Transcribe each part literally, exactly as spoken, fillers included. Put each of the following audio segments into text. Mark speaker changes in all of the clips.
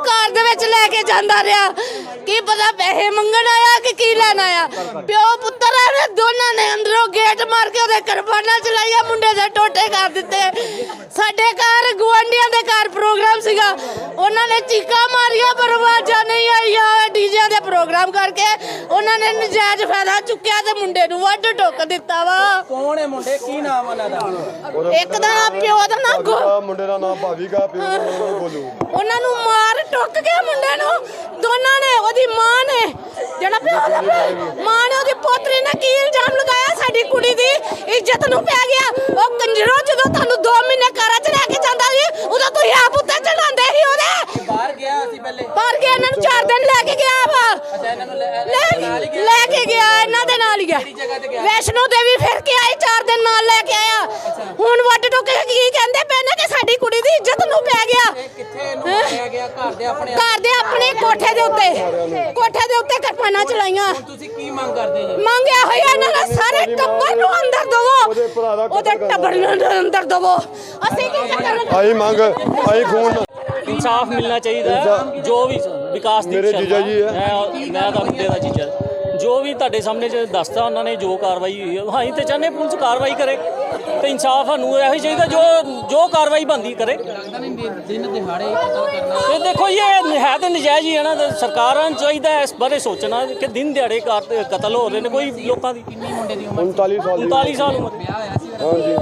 Speaker 1: ਕਾਰ ਦੇ ਵਿੱਚ ਲੈ ਕੇ ਜਾਂਦਾ ਰਿਹਾ। ਕੀ ਪਤਾ ਪੈਸੇ ਮੰਗਣ ਆਇਆ ਕਿ ਕੀ ਲੈਣ ਆਇਆ। ਪਿਓ ਪੁੱਤਰ ਨੇ ਦੋਨਾਂ ਨੇ ਅੰਦਰੋਂ ਗੇਟ ਮਾਰ ਕੇ ਉਹਦੇ ਕਿਰਪਾਨਾਂ ਚਲਾਈਆਂ, ਮੁੰਡੇ ਦੇ ਟੋਟੇ ਕਰ ਦਿੱਤੇ। ਸਾਡੇ ਘਰ ਗੁਆਂਢੀਆਂ ਦੇ ਘਰ ਪ੍ਰੋਗਰਾਮ ਸੀਗਾ, ਉਹਨਾਂ ਨੇ ਚੀਕਾਂ ਮਾਰੀਆਂ ਪਰ ਆਵਾਜ਼ਾਂ ਨਹੀਂ ਆਈਆਂ। ਡੀਜੇ ਦੇ ਪ੍ਰੋਗਰਾਮ ਕਰਕੇ ਉਹਨਾਂ ਨੇ ਨਜਾਇਜ਼ ਫਾਇਦਾ ਚੁੱਕਿਆ ਤੇ ਮੁੰਡੇ ਨੂੰ ਵੱਢ ਟੋਕ ਦਿੱਤਾ ਵਾ।
Speaker 2: ਕੌਣ ਹੈ ਮੁੰਡੇ, ਕੀ ਨਾਮ ਉਹਨਾਂ ਦਾ?
Speaker 1: ਇੱਕ ਦਾ ਨਾਮ ਪਿਓ ਦਾ ਨਾਮ
Speaker 3: ਮੁੰਡੇ ਦਾ ਨਾਮ ਭਾਵੀਗਾ, ਪਿਓ ਦਾ ਨਾਮ ਬੋਲੂ।
Speaker 1: ਉਹਨਾਂ ਨੂੰ ਮਾਰ ਟੁੱਕ ਗਿਆ ਮੁੰਡੇ ਨੂੰ ਦੋਨਾਂ ਨੇ। ਉਹਦੀ ਮਾਂ ਨੇ ਜਿਹੜਾ ਪਿਓ ਦਾ ਮਾਂ ਨੇ ਉਹਦੀ ਪੋਤਰੀ ਨੇ ਕੀ ਇਲਜ਼ਾਮ ਲਗਾਇਆ, ਸਾਡੀ ਕੁੜੀ ਦੀ ਇੱਜ਼ਤ ਨੂੰ ਪੈ ਗਿਆ। ਉਹ ਕੰਜਰੋ ਜਦੋਂ ਤੁਹਾਨੂੰ ਦੋ ਮਹੀਨੇ ਘਰਾਂ 'ਚ ਲੈ ਕੇ ਜਾਂਦਾ ਸੀ ਉਦੋਂ ਤੁਸੀਂ ਆਪ ਉੱਤੇ ਚੜਾਉਂਦੇ ਸੀ ਉਹਦੇ।
Speaker 2: ਬਾਹਰ ਗਿਆ ਸੀ ਪਹਿਲੇ?
Speaker 1: ਬਾਹਰ ਗਿਆ, ਇਹਨਾਂ ਨੂੰ ਚਾਰ ਦਿਨ ਲੈ ਕੇ ਗਿਆ ਵਾ।
Speaker 2: ਅੱਛਾ, ਇਹਨਾਂ ਨੂੰ ਲੈ
Speaker 1: ਲੈ ਕੇ ਗਿਆ, ਇਹਨਾਂ ਦੇ ਨਾਲ ਹੀ ਗਿਆ। ਵੈਸ਼ਨੋ ਦੇਵੀ ਫਿਰ ਕੇ ਆਏ, ਚਾਰ ਦਿਨ ਨਾਲ ਲੈ ਕੇ ਆਇਆ। ਹੁਣ ਵੱਡ ਟੁੱਕ ਕੇ ਕੀ ਕਹਿੰਦੇ ਪਏ ਨੇ ਕਿ ਸਾਡੀ ਕੁੜੀ ਦੀ ਇੱਜ਼ਤ ਨੂੰ ਪੈ ਗਿਆ।
Speaker 2: ਕਿੱਥੇ ਇਹਨੂੰ ਮਾਰਿਆ ਗਿਆ? ਘਰ ਦੇ ਆਪਣੇ
Speaker 1: ਘਰ ਦੇ ਆਪਣੇ ਕੋਠੇ ਦੇ ਉੱਤੇ, ਕੋਠੇ ਦੇ ਉੱਤੇ ਕਿਰਪਾਨਾਂ ਚਲਾਈਆਂ।
Speaker 2: ਤੁਸੀਂ ਕੀ ਮੰਗ ਕਰਦੇ ਜੀ?
Speaker 1: ਮੰਗਿਆ ਹੋਇਆ ਇਹਨਾਂ ਦਾ ਸਾਰੇ ਟੱਬਰ ਨੂੰ ਅੰਦਰ ਦਵੋ, ਉਹਦੇ ਟੱਬਰ ਨੂੰ ਅੰਦਰ ਦਵੋ। ਅਸੀਂ ਕੀ ਕਰਨਾ?
Speaker 3: ਆਈ ਮੰਗ ਆਈ ਖੂਨ
Speaker 4: इंसाफ मिलना चाहिए। जो भी विकास
Speaker 3: मेरे जीजा जी है,
Speaker 4: मैं मैं तो मुंडे का जीजा, जो भी ਤੁਹਾਡੇ ਸਾਹਮਣੇ ਜ ਦੱਸਦਾ ਉਹਨਾਂ ਨੇ ਜੋ ਕਾਰਵਾਈ ਹੋਈ ਹੈ, ਹਾਂ ਤੇ ਚਾਹਨੇ ਪੁਲਿਸ ਕਾਰਵਾਈ ਕਰੇ ਤੇ ਇਨਸਾਫ ਸਾਨੂੰ ਇਹੋ ਚਾਹੀਦਾ ਜੋ ਜੋ ਕਾਰਵਾਈ ਬੰਦੀ ਕਰੇ।
Speaker 2: ਦਿਨ ਦਿਹਾੜੇ ਕਤਲ ਕਰਨਾ
Speaker 4: ਤੇ ਦੇਖੋ ਇਹ ਹੈ ਤਾਂ ਨਜਾਇਜ਼ ਹੀ ਹੈ ਨਾ। ਸਰਕਾਰਾਂ ਨੂੰ ਚਾਹੀਦਾ ਇਸ ਬਾਰੇ ਸੋਚਣਾ ਕਿ ਦਿਨ ਦਿਹਾੜੇ ਕਤਲ ਹੋ ਰਹੇ ਨੇ। ਕੋਈ ਲੋਕਾਂ ਦੀ
Speaker 2: ਕਿੰਨੀ ਮੁੰਡੇ ਦੀ ਉਮਰ?
Speaker 3: ਉਨਤਾਲੀ ਸਾਲ ਦੀ।
Speaker 4: ਉਨਤਾਲੀ ਸਾਲ ਉਮਰ।
Speaker 2: ਵਿਆਹ ਹੋਇਆ ਸੀ?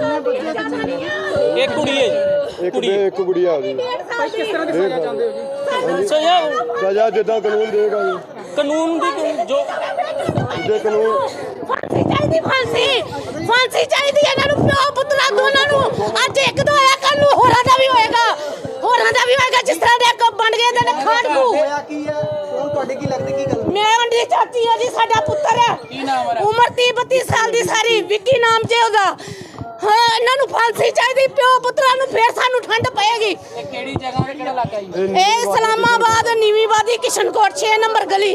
Speaker 3: ਹਾਂਜੀ,
Speaker 4: ਇੱਕ ਕੁੜੀ ਹੈ ਜੀ,
Speaker 3: ਇੱਕ ਬੇ ਇੱਕ ਗੁੜੀਆ ਉਹਦੀ।
Speaker 2: ਕਿਸ ਤਰ੍ਹਾਂ ਦੀ ਸਜ਼ਾ ਚਾਹੁੰਦੇ ਹੋ ਜੀ?
Speaker 4: ਸਜ਼ਾ
Speaker 3: ਸਜ਼ਾ ਜਿੱਦਾਂ ਕਾਨੂੰਨ ਦੇਗਾ ਜੀ,
Speaker 4: ਕਾਨੂੰਨ ਦੀ ਜੋ
Speaker 3: ਜਿੱਦਾਂ ਕਾਨੂੰਨ।
Speaker 1: ਫਾਂਸੀ ਚਾਹੀਦੀ, ਫਾਂਸੀ ਫਾਂਸੀ ਚਾਹੀਦੀ ਇਹਨਾਂ ਨੂੰ, ਪਿਓ ਪੁੱਤਰਾ ਦੋਨਾਂ ਨੂੰ। ਅੱਜ ਇੱਕ ਦਾ ਹੋਇਆ, ਕੱਲ ਨੂੰ ਹੋਰਾਂ ਦਾ ਵੀ ਹੋਏਗਾ, ਹੋਰਾਂ ਦਾ ਵੀ ਹੋਏਗਾ। ਜਿਸ ਤਰ੍ਹਾਂ ਦੇ ਇੱਕ ਬਣ ਗਏ ਤੇ ਖਾੜਕੂ।
Speaker 2: ਹੋਇਆ ਕੀ ਹੈ? ਕੌਣ ਤੁਹਾਡੇ ਕੀ ਲੱਗਦਾ, ਕੀ ਗੱਲ?
Speaker 1: ਮੈਂ ਉਹਦੀ ਚਾਚੀ ਆ ਜੀ, ਸਾਡਾ ਪੁੱਤਰ ਹੈ।
Speaker 2: ਕੀ ਨਾਮ ਹੈ?
Speaker 1: ਉਮਰ ਤੀਹ ਬੱਤੀ ਸਾਲ ਦੀ ਸਾਰੀ, ਵਿੱਕੀ ਨਾਮ ਜੇ ਉਹਦਾ। ਹਾਂ, ਇਹਨਾਂ ਨੂੰ ਫਾਂਸੀ ਚਾਹੀਦੀ, ਪਿਓ ਪੁੱਤਰਾਂ ਨੂੰ, ਫੇਰ ਸਾਨੂੰ ਠੰਡ ਪਏਗੀ।
Speaker 2: ਇਹ ਕਿਹੜੀ ਜਗ੍ਹਾ ਤੇ, ਕਿਹੜਾ ਇਲਾਕਾ ਜੀ?
Speaker 1: ਇਹ ਇਸਲਾਮਾਬਾਦ ਨੀਵੀਂਵਾਦੀ ਕਿਸ਼ਨਕੋਟ ਛੇ ਨੰਬਰ ਗਲੀ।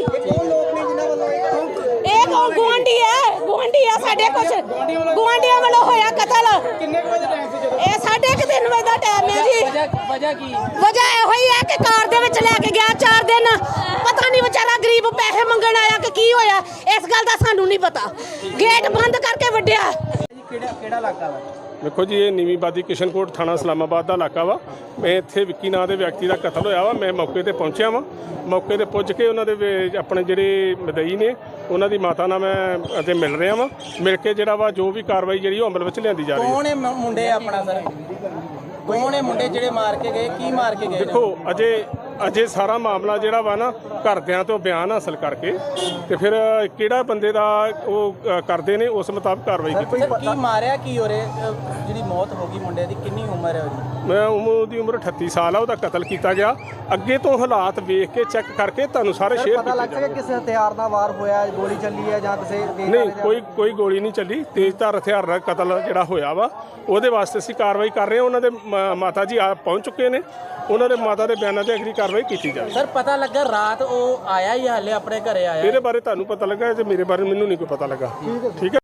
Speaker 1: ਇਹ ਕੋ ਗੁਆਂਢੀ ਹੈ, ਗੁਆਂਢੀ ਆ ਸਾਡੇ। ਕੁਛ ਗੁਆਂਢੀਆਂ ਵੱਲੋਂ ਹੋਇਆ ਕਤਲ।
Speaker 2: ਕਿੰਨੇ ਵਜੇ ਟਾਈਮ ਸੀ ਜਦੋਂ?
Speaker 1: ਇਹ ਸਾਢੇ ਕੁ ਤਿੰਨ ਵਜੇ ਦਾ ਟਾਈਮ ਹੈ ਜੀ।
Speaker 2: ਵਜ੍ਹਾ ਵਜ੍ਹਾ ਕੀ?
Speaker 1: ਵਜ੍ਹਾ ਇਹੋ ਹੀ ਹੈ ਕਿ ਕਾਰ ਦੇ ਵਿੱਚ ਲੈ ਕੇ ਗਿਆ ਚਾਰ ਦਿਨ। ਪਤਾ ਨਹੀਂ ਵਿਚਾਰਾ ਗਰੀਬ ਪੈਸੇ ਮੰਗਣ ਆਇਆ ਕਿ ਕੀ ਹੋਇਆ, ਇਸ ਗੱਲ ਦਾ ਸਾਨੂੰ ਨਹੀਂ ਪਤਾ। ਗੇਟ ਬੰਦ ਕਰਕੇ ਵੱਢਿਆ।
Speaker 2: ਕਿਹੜਾ ਕਿਹੜਾ ਇਲਾਕਾ ਵਾ?
Speaker 5: ਦੇਖੋ ਜੀ, ਇਹ ਨੀਵੀਂਵਾਦੀ ਕਿਸ਼ਨਕੋਟ ਥਾਣਾ ਇਸਲਾਮਾਬਾਦ ਦਾ ਇਲਾਕਾ ਵਾ। ਮੈਂ ਇੱਥੇ ਵਿੱਕੀ ਨਾਂ ਦੇ ਵਿਅਕਤੀ ਦਾ ਕਤਲ ਹੋਇਆ ਵਾ। ਮੈਂ ਮੌਕੇ ਤੇ ਪਹੁੰਚਿਆ ਵਾਂ। ਮੌਕੇ ਤੇ ਪੁੱਜ ਕੇ ਉਹਨਾਂ ਦੇ ਵੇ- ਆਪਣੇ ਜਿਹੜੇ ਮਦਈ ਨੇ ਉਹਨਾਂ ਦੀ ਮਾਤਾ ਨਾਲ ਮੈਂ ਅਤੇ ਮਿਲ ਰਿਹਾ ਵਾਂ। ਮਿਲ ਕੇ ਜਿਹੜਾ ਵਾ ਜੋ ਵੀ ਕਾਰਵਾਈ ਜਿਹੜੀ ਉਹ ਅਮਲ ਵਿੱਚ ਲਿਆਂਦੀ ਜਾ ਰਹੀ ਹੈ।
Speaker 2: ਕੌਣ ਹੈ ਮ- ਮੁੰਡੇ ਆਪਣਾ ਸਰ? ਕੌਣ ਹੈ ਮੁੰਡੇ ਜਿਹੜੇ ਮਾਰ ਕੇ ਗਏ? ਕੀ ਮਾਰ ਕੇ ਗਏ?
Speaker 5: ਦੇਖੋ ਅਜੇ ਅਜੇ ਸਾਰਾ ਮਾਮਲਾ ਜਿਹੜਾ ਵਾ ਨਾ ਘਰਦਿਆਂ ਤੋਂ ਬਿਆਨ ਹਾਸਲ ਕਰਕੇ ਤੇ ਫਿਰ ਕਿਹੜਾ ਬੰਦੇ ਦਾ ਉਹ ਅ, ਕਰਦੇ ਨੇ ਉਸ ਮੁਤਾਬਕ ਕਾਰਵਾਈ ਕੀਤੀ।
Speaker 2: ਸਰ ਕੀ ਮਾਰਿਆ ਕੀ ਹੋ ਰਿਹਾ? ਜਿਹੜੀ ਮੌਤ ਹੋ ਗਈ ਮੁੰਡੇ ਦੀ, ਕਿੰਨੀ ਉਮਰ ਹੈ ਉਹਦੀ?
Speaker 5: ਮੈਂ ਉਮਰ ਦੀ ਉਮਰ ਅਠੱਤੀ ਸਾਲ ਆ। ਉਹਦਾ ਕਤਲ ਕੀਤਾ ਗਿਆ। ਅੱਗੇ ਤੋਂ ਹਾਲਾਤ ਵੇਖ ਕੇ ਚੈੱਕ ਕਰਕੇ ਤੁਹਾਨੂੰ ਸਾਰੇ ਸ਼ੇਅਰ
Speaker 6: ਪਤਾ ਲੱਗ ਸਕਿਆ ਕਿਸੇ ਹਥਿਆਰ ਨਾਲ ਵਾਰ ਹੋਇਆ, ਗੋਲੀ ਚੱਲੀ ਹੈ ਜਾਂ ਕਿਸੇ
Speaker 5: ਨਹੀਂ, ਕੋਈ ਕੋਈ ਗੋਲੀ ਨਹੀਂ ਚੱਲੀ। ਤੇਜ਼ਧਾਰ ਹਥਿਆਰ ਨਾਲ ਕਤਲ ਜਿਹੜਾ ਹੋਇਆ ਵਾ ਉਹਦੇ ਵਾਸਤੇ ਅਸੀਂ ਕਾਰਵਾਈ ਕਰ ਰਹੇ ਹਾਂ। ਉਹਨਾਂ ਦੇ ਮ- ਮਾਤਾ ਜੀ ਆ ਪਹੁੰਚ ਚੁੱਕੇ ਨੇ। ਉਹਨਾਂ ਦੇ ਮਾਤਾ ਦੇ ਬਿਆਨਾਂ ਤੇ ਅਗਲੀ ਕਾਰਵਾਈ ਕੀਤੀ ਜਾਵੇ।
Speaker 2: ਸਰ ਪਤਾ ਲੱਗਾ ਰਾਤ ਉਹ ਆਇਆ ਹੀ ਹਾਲੇ ਆਪਣੇ ਘਰੇ ਆਇਆ?
Speaker 5: ਇਹਦੇ ਬਾਰੇ ਤੁਹਾਨੂੰ ਪਤਾ ਲੱਗਾ ਤੇ ਮੇਰੇ ਬਾਰੇ ਮੈਨੂੰ ਨਹੀਂ ਕੋਈ ਪਤਾ ਲੱਗਾ। ਠੀਕ ਹੈ।